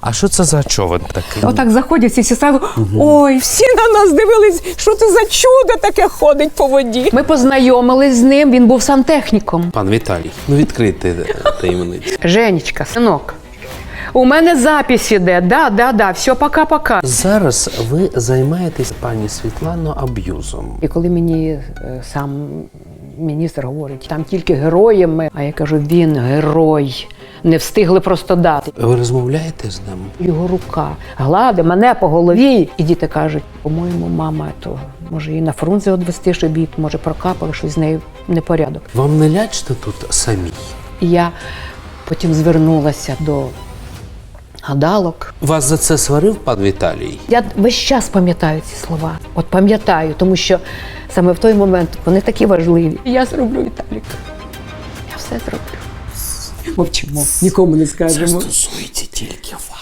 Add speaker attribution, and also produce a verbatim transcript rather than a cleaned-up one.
Speaker 1: А що це за човен такий?
Speaker 2: Отак заходять всі сразу, ой, всі на нас дивились, що це за чудо таке ходить по воді. Ми познайомились з ним, він був сантехніком.
Speaker 1: Пан Віталій, ну відкрийте таємницю.
Speaker 2: Женечка, синок, у мене запис іде, да, да, да, все, пока-пока.
Speaker 1: Зараз ви займаєтесь, пані Світлано, аб'юзом.
Speaker 2: І коли мені е, сам міністр говорить, там тільки героями, а я кажу, він герой, не встигли просто дати.
Speaker 1: Ви розмовляєте з ним?
Speaker 2: Його рука гладить мене по голові. І діти кажуть, по-моєму, мама, то може її на Фрунзе відвести, щоб її, може, прокапали, щось з нею непорядок.
Speaker 1: Вам не лячно тут самі?
Speaker 2: І я потім звернулася до гадалок.
Speaker 1: Вас за це сварив пан Віталій?
Speaker 2: Я весь час пам'ятаю ці слова. От пам'ятаю, тому що саме в той момент вони такі важливі. Я зроблю, Віталік. Я все зроблю. Мовчимо, нікому не
Speaker 1: Це
Speaker 2: скажемо.
Speaker 1: стосується тільки вас.